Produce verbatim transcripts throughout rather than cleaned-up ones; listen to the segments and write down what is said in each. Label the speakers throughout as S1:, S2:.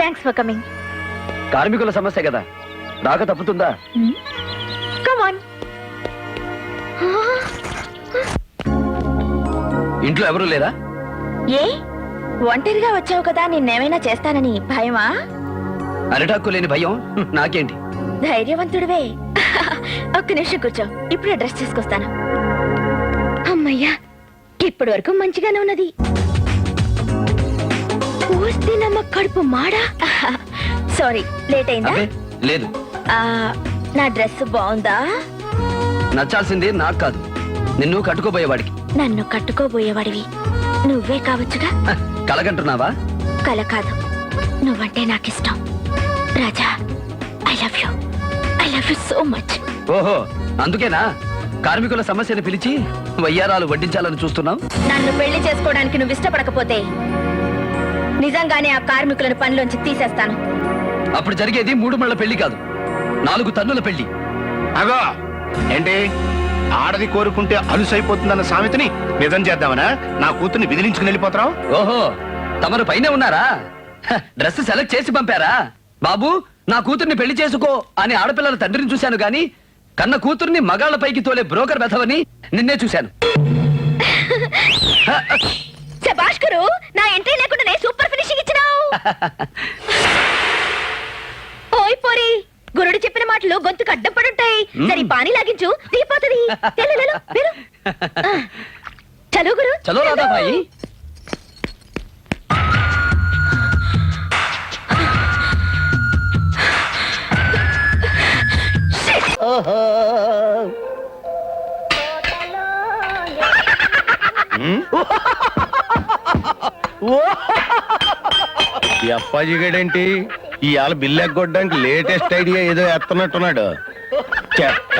S1: Thanks for coming.
S2: కార్మికుల సమస్య కదా, రాక తప్పుతుందా?
S1: Come on.
S2: ఇంట్లో ఎవరూ లేరా?
S1: ఏ ఒంటరిగా వచ్చావు కదా, నిన్నేమైనా చేస్తానని భయమా?
S2: అరిటాక్కు లేని భయం నాకేంటి?
S1: ధైర్యవంతుడివే. ఒక్క నిమిషం కూర్చో, ఇప్పుడే డ్రెస్ తీసుకొస్తాను. అమ్మయ్యా, ఇప్పటి వరకు మంచిగానే ఉన్నది. నమ్మ కడుపు మాడా. సారీ, లేట్ అయిందా?
S2: లేదు.
S1: నా డ్రెస్ బాగుందా?
S2: నచ్చాల్సింది నాకు కాదు, నిన్ను కట్టుకోబోయేవాడికి.
S1: నన్ను కట్టుకోబోయేవాడివి నువ్వే కావచ్చుగా.
S2: కలగంటున్నావా?
S1: కల కాదు, నువ్వంటే నాకిష్టం Raja. I love you, I love you so much.
S2: ఓహో, అందుకేనా కార్మికుల సమస్యను పిలిచి వయ్యారాలు వడ్డించాలని చూస్తున్నావు?
S1: నన్ను పెళ్లి చేసుకోవడానికి నువ్వు ఇష్టపడకపోతే నిజంగానే ఆ కార్మికులను పనిలోంచి తీసేస్తాను.
S2: అప్పుడు జరిగేది మూడు మళ్ళ పెళ్లి కాదు, నాలుగు తన్నుల పెళ్లి.
S3: అగో ఏంటి, ఆడది కోరుకుంటే అలుసైపోతుందన్న సామెతని నిజం చేద్దామనా నా కూతుర్ని విదిలించుకుని వెళ్ళిపోతావు?
S2: ఓహో, తమరు పైనే ఉన్నారా? డ్రెస్ సెలెక్ట్ చేసి పంపారా? బాబు, నా కూతుర్ని పెళ్లి చేసుకో అని ఆడపిల్లల తండ్రిని చూశాను గాని కన్న కూతుర్ని మగాళ్ల పైకి తోలే బ్రోకర్ వెధవని నిన్నే చూశాను.
S1: భాస్కరు, నా ఎంట్రీ లేకుండానే సూపర్ ఫినిషింగ్ ఇచ్చినావు. ఓయ్ పోరి, గురుడు చెప్పిన మాటలు గొంతుకు అడ్డం పడుంటాయి. సరే పానీ లాగించు, దిగిపోతుంది. చలో గురు,
S2: చలో రాధా భాయి.
S3: ఈ అప్పాజీ గడేంటి ఇవాళ బిల్లు ఎగ్గొట్టడానికి లేటెస్ట్ ఐడియా ఏదో ఎత్తనట్టున్నాడు. చెత్త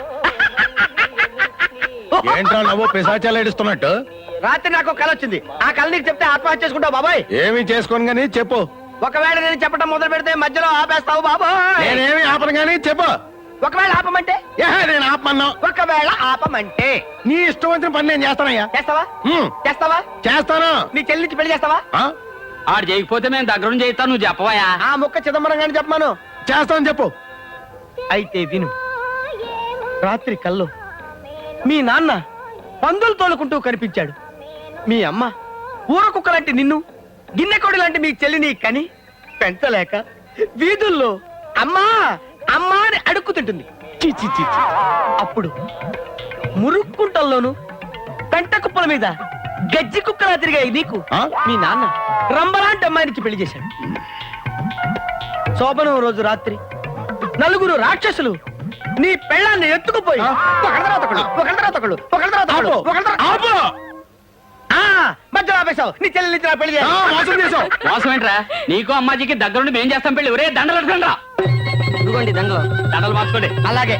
S3: ఏంట్రా నవ్వు పిశాచాలు ఏడుస్తున్నట్టు?
S4: రాత్రి నాకు కళ వచ్చింది. ఆ కళ నీకు చెప్తే ఆత్మహత్య చేసుకుంటావు బాబాయ్.
S3: ఏమి చేసుకోను గానీ చెప్పు.
S4: ఒకవేళ నేను చెప్పడం మొదలు పెడితే మధ్యలో ఆపేస్తావు బాబాయ్.
S3: నేనేమి ఆపను గానీ చెప్పు.
S4: ఒకవేళ ఆపమంటే?
S3: నేను ఆపమన్నా.
S4: ఒకవేళ ఆపమంటే
S3: నీ ఇష్టం వచ్చిన పని నేను చేస్తానయ్యా.
S4: చేస్తావా? చేస్తావా?
S3: చేస్తాను.
S4: నీ చెల్లికి పెళ్లి చేస్తావా?
S2: ఆడు చేయకపోతే మేము దగ్గర చేస్తాను, నువ్వు చెప్పవయా?
S4: ఆ ముక్క చిదంబరం గాని చెప్పమాను.
S3: చేస్తాను చెప్పు.
S4: అయితే విను. రాత్రి కల్లో మీ నాన్న పందులు తోలుకుంటూ కనిపించాడు. మీ అమ్మ ఊర కుక్క లాంటి నిన్ను, గిన్నెకోడి లాంటి మీ చెల్లిని కని పెంచలేక వీధుల్లో అమ్మా అమ్మా అని అడుక్కుతుంటుంది. చీచి చీచి. అప్పుడు మురుక్కుంటల్లోను పెంట కుప్పల మీద గజ్జి కుక్కలా తిరిగాయి నీకు మీ నాన్న రంబలాంటి అమ్మాయినికి పెళ్లి చేశాడు. శోభనం రోజు రాత్రి నలుగురు రాక్షసులు నీ పెళ్ళాన్ని ఎత్తుకుపోయి ఒకళ్ళ తర్వాత ఒకళ్ళు, ఒకళ్ళ తర్వాత ఒకళ్ళు, ఒకళ్ళ తర్వాత ఒకళ్ళు, ఒకళ్ళ తర్వాత మధ్యలో ఆపేశావు. నీ చెల్లి పెళ్లి చేశావు.
S2: మోసం ఏంట్రా? నీకు అమ్మాజీకి దగ్గరుండి మేం చేస్తాం పెళ్లి. ఒరే దండలు అడగండి రా. ఇదిగోండి దండలు, దండలు మార్చుకోండి.
S4: అలాగే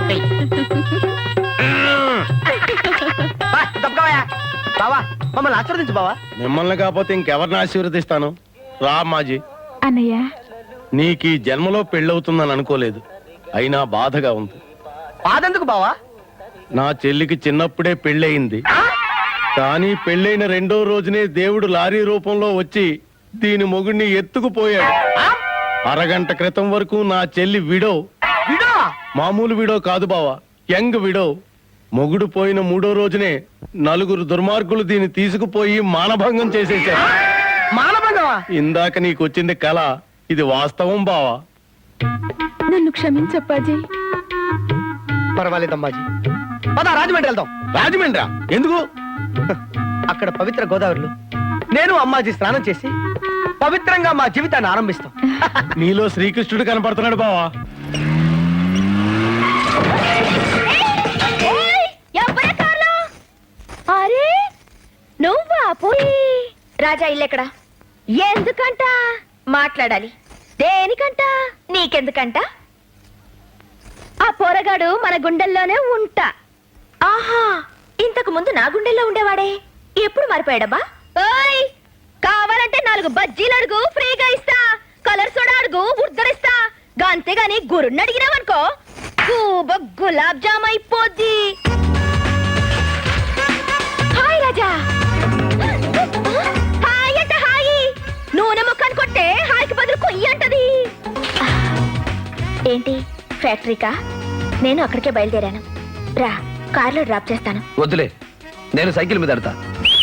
S4: తప్పవయా బావా, మమ్మల్ని ఆశీర్వదించు బావా.
S3: మిమ్మల్ని కాకపోతే ఇంకెవరిని ఆశీర్వదిస్తాను? రా అమ్మాజీ.
S1: అన్నయ్య,
S3: నీకు ఈ జన్మలో పెళ్ళవుతుందని అనుకోలేదు, అయినా బాధగా ఉంది.
S4: బాధెందుకు బావా?
S3: నా చెల్లికి చిన్నప్పుడే పెళ్ళయింది, కానీ పెళ్ళైన రెండో రోజునే దేవుడు లారీ రూపంలో వచ్చి దీని మొగుడిని ఎత్తుకుపోయాడు. అరగంట క్రితం వరకు నా చెల్లి విడో.
S4: విడో?
S3: మామూలు విడో కాదు బావా, యంగ్ విడో. మొగుడు పోయిన మూడో రోజునే నలుగురు దుర్మార్గులు దీన్ని తీసుకుపోయి మానభంగం చేసేశారు.
S4: మానభంగమా?
S3: ఇందాక నీకొచ్చింది కళ, ఇది వాస్తవం బావా.
S1: నన్ను క్షమించప్పాజీ.
S4: పర్వాలేదమ్మాజీ, పద రాజమండ్రి వెళ్దాం.
S3: రాజమండ్రా? ఎందుకు?
S4: అక్కడ పవిత్ర గోదావరిలో నేను అమ్మాజీ స్నానం చేసి పవిత్రంగా మా జీవితాన్ని ఆరంభిస్తాం.
S3: నీలో శ్రీకృష్ణుడు కనపడుతున్నాడు బావా.
S1: అరే నువ్వా? పోయి రాజా ఇల్లెక్కడ? ఎందుకంట? మాట్లాడాలి. దేనికంట? నీకెందుకంట? ఆ పోరగాడు మన గుండెల్లోనే ఉంటా. ఆహా, ఇంతకు ముందు నా గుండెల్లో ఉండేవాడే, ఎప్పుడు మారిపోయాడబ్బా? ఓయ్, కావాలంటే నాలుగు బజ్జీలు అడుగు, ఫ్రీగా ఇస్తా. కలర్ సోడా అడుగు, ఉద్దరిస్తా. అంతేగాని గురుణ్ణి అడిగినావనుకో గులాబ్ జామ్ అయిపోద్ది. హాయ్ రాజా. హాయ్ అంటే హాయి, నూనె ముక్కను కొట్టే హాయికి బదులు కొయ్య ఫ్యాక్టరీకా? నేను అక్కడికే బయలుదేరాను. రా, కార్లో డ్రాప్ చేస్తాను.
S2: వద్దులే, నేను సైకిల్ మీద ఎడతా.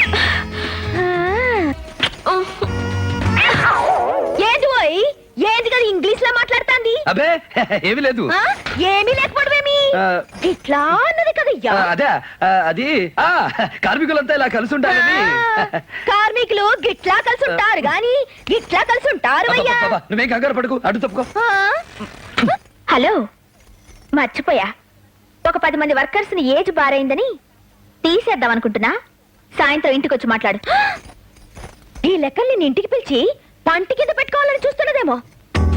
S1: ఏంటి పోయి ఏంటి కదా ఇంగ్లీష్ లో మాట్లాడుతాంది?
S2: అబే ఏమీ లేదు.
S1: ఆ? ఏమీ లేకపోవడమేమి
S2: ఆ,
S1: ఇట్లా అన్నది కదయ్యా.
S2: ఆ, అదే ఆ, అది ఆ కార్మికులంతా ఇలా కలిసి ఉంటారని.
S1: ఆ, కార్మికులు గిట్లా కలిసి ఉంటారు గాని గిట్లా కలిసి ఉంటారు అయ్యా.
S2: అబ్బబ్బబ్బా, నువ్వేం కంగారు పడుకు, అటు తప్పుకో.
S1: ఆ? హలో, మర్చిపోయా. ఒక పది మంది వర్కర్స్ ని ఏజ్ బారైందని తీసేద్దాం అనుకుంటున్నా. సాయంత్రం ఇంటికి వచ్చి మాట్లాడు. ఈ లెక్కల్ని నీ ఇంటికి పిలిచి పంటి కింద పెట్టుకోవాలని చూస్తున్నదేమో.